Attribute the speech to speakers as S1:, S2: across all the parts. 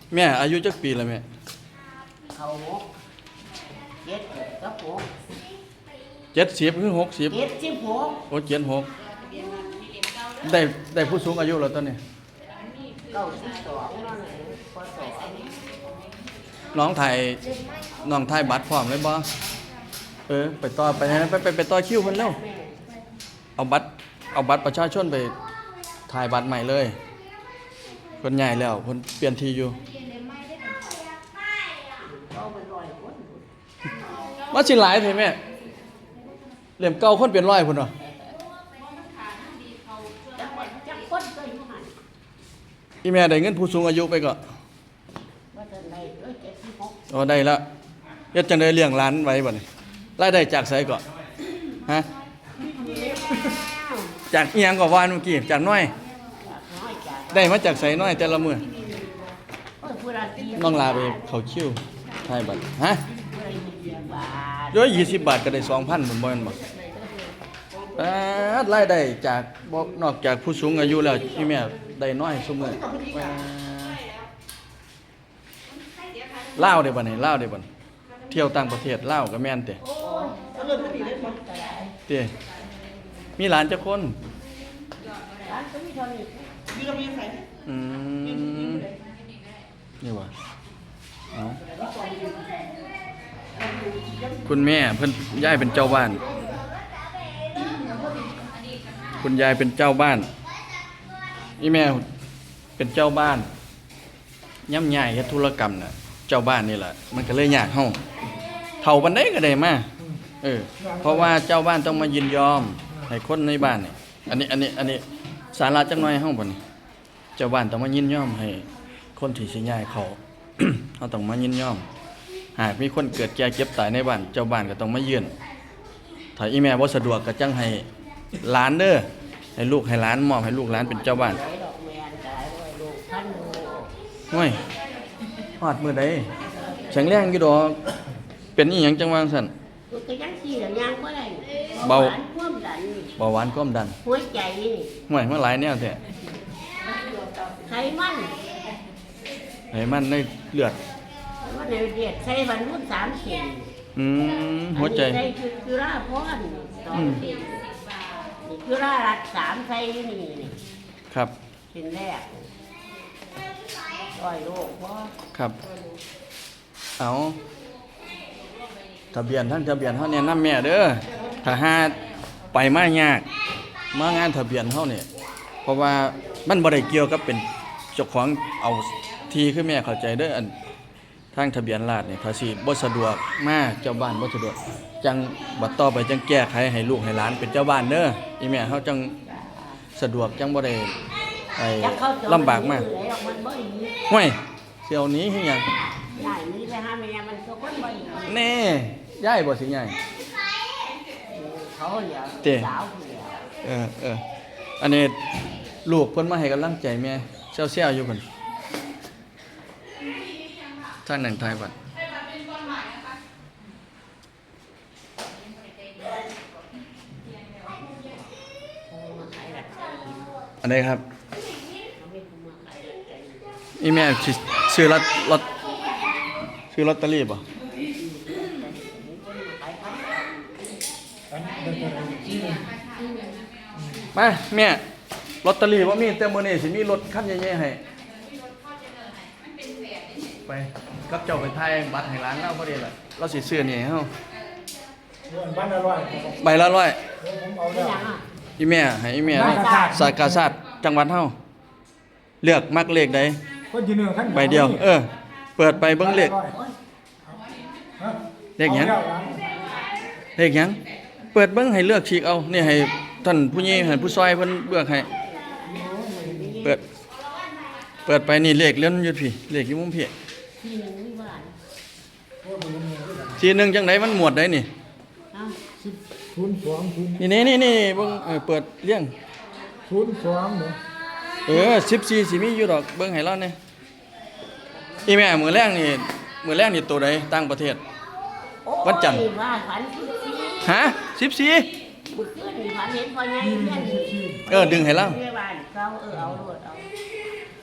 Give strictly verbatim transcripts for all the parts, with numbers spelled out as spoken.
S1: แม่อายุจักปีแล้วแม่
S2: เขาหกเจ็ดกับหก
S1: เจ็ดสิบคือหกสิบ
S2: เจ็ดสิบหก
S1: โอ้เจ็ดหกได้ได้ผู้สูงอายุแล้วตอนนี้
S2: เก้าสิบสองนั่นเองพศ
S1: น้องถ่ายน้องถ่ายบัตรพร้อมเลยบ่เออไปต่อไปไปไปไปต่อคิวเพิ่นแล้วเอาบัตรเอาบัตรประชาชนไปถ่ายบัตรใหม่เลยคนใหญ่แล้วคนเปลี่ยนทีอยู่มาสิหลายเถอะแม่เหลี่ยมเก่าคนเปลี่ยนร้อยพุ่นเนาะอีแม่ได้เงินผู้สูงอายุไปก็อ๋อได้แล้วยัดจังได้เลี้ยงหลานไว้บ่นี่รายได้จากไสก็ฮะจากอีหยังก็ว่าเมื่อกี้จากน้อยได้มาจากไสน้อยแต่ละมื้อน้องลาไปเขาคิวถ่ายบัตรฮะร้อยยี่สิบบาทก็ได้สองพันผมบ่แม่นบ่อ่ารายได้จากบ่นอกจากผู้สูงอายุแล้วอีแม่ได้น้อยซุมื้อลาวได้บ่นี่ลาวได้บ่เที่ยวต่างประเทศลาวก็แม่นติติมีหลานจักคนหลานก็มีเท่านี้มีก็มีใครอืมนี่ว่าเอ้าคุณแม่เพิ่นยายเป็นเจ้าบ้านคุณยายเป็นเจ้าบ้านนี่แม่เป็นเจ้าบ้านย่ำใหญ่เฮ็ดธุรกรรมน่ะเจ้าบ้านนี่แหละมันก็เลยยากเฮาเฒ่าปานใดก็ได้มาเออเพราะว่าเจ้าบ้านต้องมายินยอมให้คนในบ้านนี่อันนี้อันนี้อันนี้สาระจักหน่อยเฮาบ่นี่เจ้าบ้านต้องมายินยอมให้คนที่สิย้ายเขา เฮาต้องมายินยอมหากมีคนเกิดแก่เจ็บตายในบ้านเจ้าบ้านก็ต้องมาเยือนถ้าอีแม่บ่สะดวกก็จังให้หลานเด้อให้ลูกให้หลานมอบให้ลูกหลานเป็นเจ้าบ้านโอ้ยฮอดมื้อใดแข็งแรงอยู่ดอกเป็นอีหยังจังว่าซั่น
S2: ก็ยังสิแล้วยังบ่ได้
S1: เบา
S2: ความดัน
S1: เบาหวานความดัน
S2: หัวใจนี่
S1: ห่วยมาหลายแนวแท้
S2: ไขมัน
S1: ไขมันในเลือด
S2: ว่าในเลือดใส่วันรุ่นสามเข็ม
S1: อืมหัวใจ
S2: ใส่คือราพรสองเข็มนี่คือรารัดสามใส่นี่นี่
S1: ครับ
S2: เป็นแรกร้อยโลบ่
S1: ครับเอาทะเบียนทั้งทะเบียนเฮาเนี่ยนำแม่เด้อถ้าหาไปมายากมางานทะเบียนเฮาเนี่ยเพราะว่ามันบ่ได้เกี่ยวกับเป็นเจ้าของเอาทีคือแม่เข้าใจเด้ออันทางทะเบียนราษฎร์นี่ถ้าสิบ่สะดวกมาเจ้าบ้านบ่สะดวกจังบัดต่อไปจังแก้ไขให้ลูกให้หลานเป็นเจ้าบ้านเด้ออีแม่เฮาจังสะดวกจังบ่ได้ไอ้ลำบากมากห้วยเสี่ยวนี้คือหยัง
S2: ยายนี่ไปหาแม่มันก็คนบ่อี
S1: แน่ยายบ่สิยาย
S2: เขาเหลียวสาวเหลียว
S1: เออเอออันนี้ลูกเพิ่นมาให้กำลังใจแม่เซี่ยวๆอยู่เพิ่นทางนั้นทายบัดอันใดครับอีแม่สิซื้อลอตลอตซื้อลอตเตอรี่บ่มาแม่ลอตเตอรี่บ่มีแต่มื้อนี้สิมีรถคันใหญ่ๆให้ไปกับเจ้าไปถ่ายบัตรให้ร้านเราพอดีล่ะเราสิซื้อนี่ให้เฮาใบละร้อยใบละร้อยอีแม่ให้อีแม่สายกาชาดจังหวัดเฮาเลือกมักเลขใดใบเดียวเออเปิดไปเบิ่งเลขเลขหยังเลขหยังเปิดเบิ่งให้เลือกฉีกเอานี่ให้ท่านผู้ใหญ่ให้ผู้ซอยเพิ่นเลือกให้เปิดเปิดไปนี่เลขเลื่อนอยู่พี่เลขอยู่มุมพี่ทีหนึ่งจังไหนมันหมวดได้นี่นี่นี่นี่นี่เบิ่งเออเปิดเลี้ยงศูนย์สองเออสิบสี่สิมีอยู่ดอกเบิ่งให้เราเนี่ยอีแม่มือแรกนี่มือแรกนี่ตัวใดต่างประเทศวันจันทร์ฮะสิบสี่เออดึงให้เรา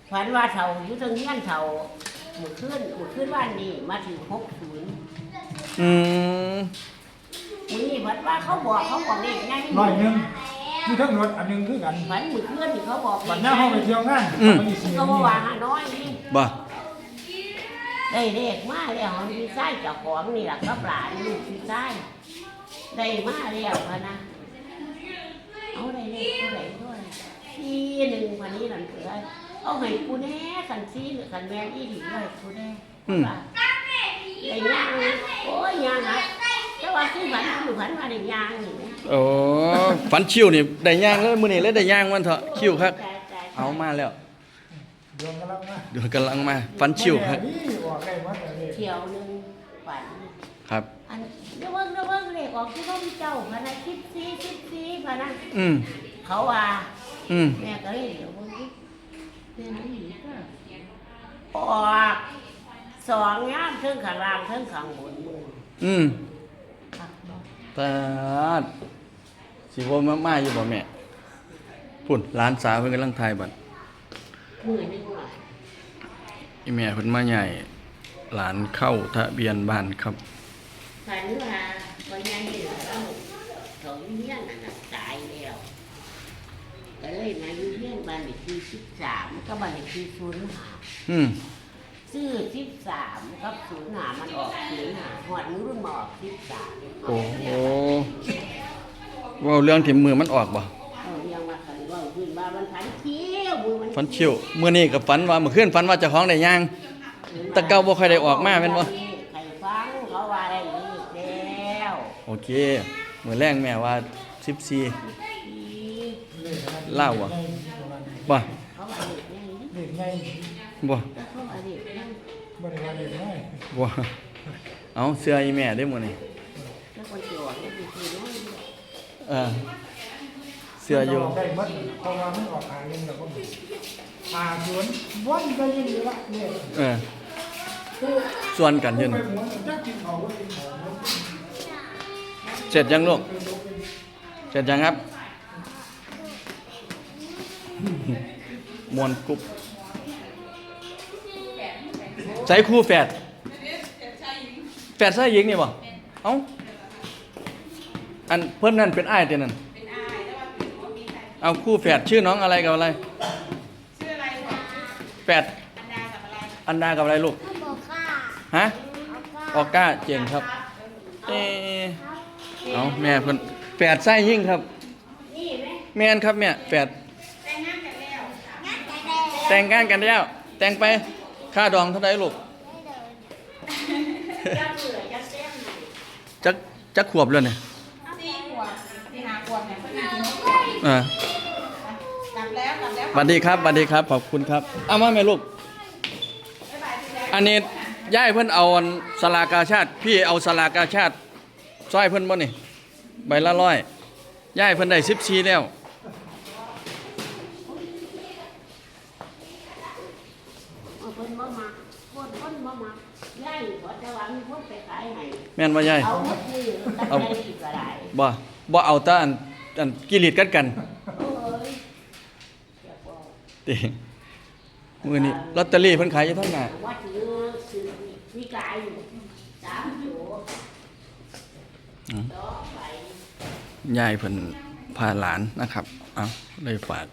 S2: ฝันว่าเฒ่าอยู่เทางเฮียนเฒ่าหมู่ขึ้นหมู่ขึ้นบ้านนี้มาถึงหกศูนย์
S1: อืม
S2: มื้อนี้ฝันว่าเขาบอกเขาบอกเลขไง
S3: ร้อยหนึ่งมีทั้งรถอันหนึงคือกัน
S2: ฝันหมู่ขึ้นนี่เขาบอก
S3: วันหน้าห้องไปเที่ยวงานเขาไปเสีย
S2: ก็
S3: นี่
S2: บ่ว่าหาน้อยนี่
S1: บ่
S2: ได้เลขมาแล้วมันมีไส้เจ้าของนี่ล่ะกับหลานลูกมีไส้ได้มาแล้วพะนะเอาได้เลขเท่าไหร่ด้วยทีหนึ่งพันนี้นั่นคือเอาให้กูแน่สันซีหรือสันแมนอีดีเลยกูแน่ว่าได้ย่างโอ้ยย่างนะแต่ว่าที่ฝันคือฝันว่าได้ย่างนี่นะ
S1: โอ้ฝันชิวนี่ได้ย่างเลยมื้อนี้เลยได้ย่างมันเถอะคิวครับ
S2: แต่แต่
S1: เอามาแล้ว
S3: ดวงกำลังมา
S1: เดี๋ยวกำลังมาฝันชิวครับ
S3: นี่ออกได้หมดเลย
S2: เที่ยวหนึ่งฝัน
S1: ครับ
S2: อันเดี๋ยวเบิ่งเดี๋ยวเบิ่งเลขออกที่เขามีเจ้าพะนะคิดซีคิดซีพะนะ
S1: อืม
S2: เขาว่า
S1: อืม
S2: แม่ก็เลยเดี๋ยวเบิ่งดิแม่นี่อีกก็ออกสองย่ามเทิงข้างล่างเทิงข้างบนมือ
S1: อืม
S2: ครับบ่
S1: ตาดสิบ่มามาอยู่บ่แม่พุ่นหลานสาวเพิ่นกำลังถ่ายบัด
S2: มือนี่ว่า
S1: อีแม่เพิ่นมาใหญ่หลานเข้าทะเบียนบ้านครับ
S2: ฝันว่าวันยังเหลือเราเขาอยู่เฮียนนั่นน่ะตายแล้วก็เลยมาอยู่เฮียนบ้านเลขที่สิบสามก็บ้านเลขที่ศูนย์ห้า
S1: อืม
S2: ซื้อสิบสามกับศูนย์ห้ามันออกศูนย์ห้าหอดมือรุ่นมาออกสิบสาม
S1: โอ้โหเว้าเรื่องที่มือมันออกบ่
S2: เอาเรียงว่าคันว่าขึ้นมามันพันเที่ยวมือมัน
S1: ฝันชิวมื้อนี้ก็ฝันว่าเมื่อคืนฝันว่าเจ้าของได้ย่าง แต่เก่าบ่ค่อยได้ออกมาแม่นบ่
S2: ใครฟังเขาว่าได้อีกแล้ว
S1: โอเคมื้อแรงแม่ว่าสิบสี่
S2: อี
S1: เล่าอะบ่
S2: เขาว่าเด็กนี่
S3: เด็กไง
S1: บ่
S2: แต่เขาว่าเด็กนี่
S3: บริวารเด็กน้อย
S1: บ่เอาเสื้ออีแม่ได้มื้อนี้
S2: แล้วคนเกี่ยวนี่คือคือน้อยเดียว
S1: เออเสื้ออยู่
S3: ได้หมดเพราะว่ามันออกหาเงินแล้วก็หาสวนวันก็ยังดีละเนี่ย
S1: เออส่วนกันอยืน
S3: ไปหมุนจักกินเขาก็กินเขา
S1: เสร็จยังลูกเสร็จยังครับ มวนกรุบใส่คู่แฝดแฝดใส่หญิงนี่บ่เอ้าอันเพิ่นนั่นเป็นอ้ายเด้นั่นเอาคู่แฝดชื่อน้องอะไรกับอะไร
S4: ชื่ออะไรบอก
S1: แฝด
S4: อันดากับอะไร
S1: อันดากับอะไรลูก
S5: บอกค่ะ
S1: ฮะ
S5: เอา
S1: ออก้าเจ๋งครับ เออเอาแม่เพิ่นแฝดไส้ยิ่งครับ
S2: นี่ไหม
S1: แม่นครับแม่แฝด
S4: แต่งงานกันแล้ว
S5: งั้นจะได้เลย
S1: แต่งงานกันแล้วแต่งไปค่าดองเท่าไดลูก
S2: จะเบื่อจะเต้มหน่อย
S1: จักจักขวบเลยเนี่ย
S4: สี่ขวบสี่ห้าขวบเนี่ยเขาอยู่ที่นี่
S1: อ่าก
S4: ลับแล้วกลับแล้ว
S1: สวัสดีครับสวัสดีครับขอบคุณครับเอามาแม่ลูก
S4: บ๊ายบายพี่แจ๊ค
S1: อันนี้ย่ายเพิ่นเอาอันสลากาชาติ พี่เอาสลากาชาติซอยเพิ่นบ่นี่ใบละร้อยย่ายเพิ่นได้สิบสี่แล้ว
S2: เอาคนบ่มาคนคนบ่มาย่ายขอจะวางมีคนไปขายให้
S1: แม่นบ่ย่าย
S2: เอาหมดนี่ตั้งใจอีกก็ได้
S1: บ่บ่เอาแต่อันอันกิริตกันกัน
S2: โอ้ยเดี๋ยวบอก
S1: ติมื้อนี้ลอตเตอรี่เพิ่นขายอยู่เท่าไหร่
S2: ว่าถือซื้อวิกายอยู่สามตัว
S1: อืม
S2: ต่อไป
S1: ยายเพิ่นพาหลานนะครับ เอาเลยฝาก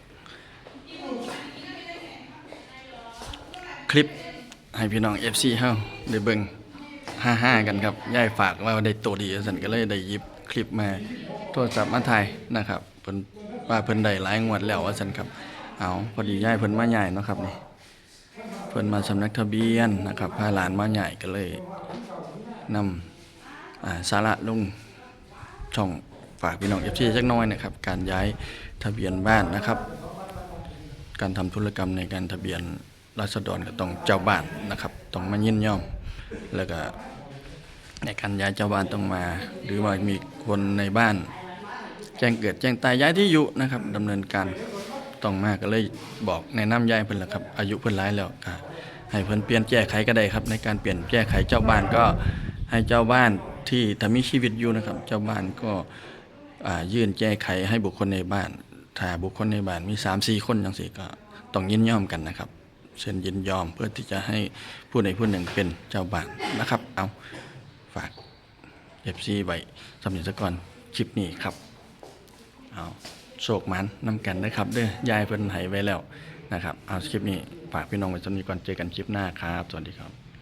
S1: คลิปให้พี่น้อง เอฟ ซี เฮาได้เบิ่งห้าๆกันครับ ยายฝากว่าได้ตัวดีซั่นก็เลยได้หยิบคลิปมาโทรศัพท์มาถ่ายนะครับเพิ่นว่าเพิ่นได้หลายงวดแล้วว่าซั่นครับ เอาพอดียายเพิ่นมาใหญ่เนาะครับนี่ เพิ่นมาสำนักทะเบียนนะครับพาหลานมาใหญ่ก็เลยนำอ่าสาระลงช่องฝากพี่น้อง เอฟ ซี จักหน้อยนะครับ การย้ายทะเบียนบ้านนะครับ การทำธุรกรรมในการทะเบียนราษฎรก็ต้องเจ้าบ้านนะครับ ต้องมายินยอม แล้วก็ในการย้ายเจ้าบ้านต้องมา หรือว่ามีคนในบ้าน แจ้งเกิดแจ้งตายย้ายที่อยู่นะครับดำเนินการต้องมาก็เลยบอกแนะนำยายเพิ่นล่ะครับ อายุเพิ่นหลายแล้วก็ให้เพิ่นเปลี่ยนแก้ไขก็ได้ครับ ในการเปลี่ยนแก้ไขเจ้าบ้านก็ให้เจ้าบ้านที่ถ้ามีชีวิตอยู่นะครับ เจ้าบ้านก็อ่ายื่นแก้ไขให้บุคคลในบ้าน ถ้าบุคคลในบ้านมี สามสี่ คนจังซี่ก็ต้องยินยอมกันนะครับเซ็นยินยอมเพื่อที่จะให้ผู้ใดผู้หนึ่งเป็นเจ้าบ้านนะครับ เอาฝาก เอฟ ซี ไว้สำหรับสกอนคลิปนี้ครับเอาโชคมันนำกันนะครับเด้อยายเพิ่นให้ไว้แล้วนะครับเอาคลิปนี้ฝากพี่น้องไว้สำหรับก่อนเจอกันคลิปหน้าครับสวัสดีครับ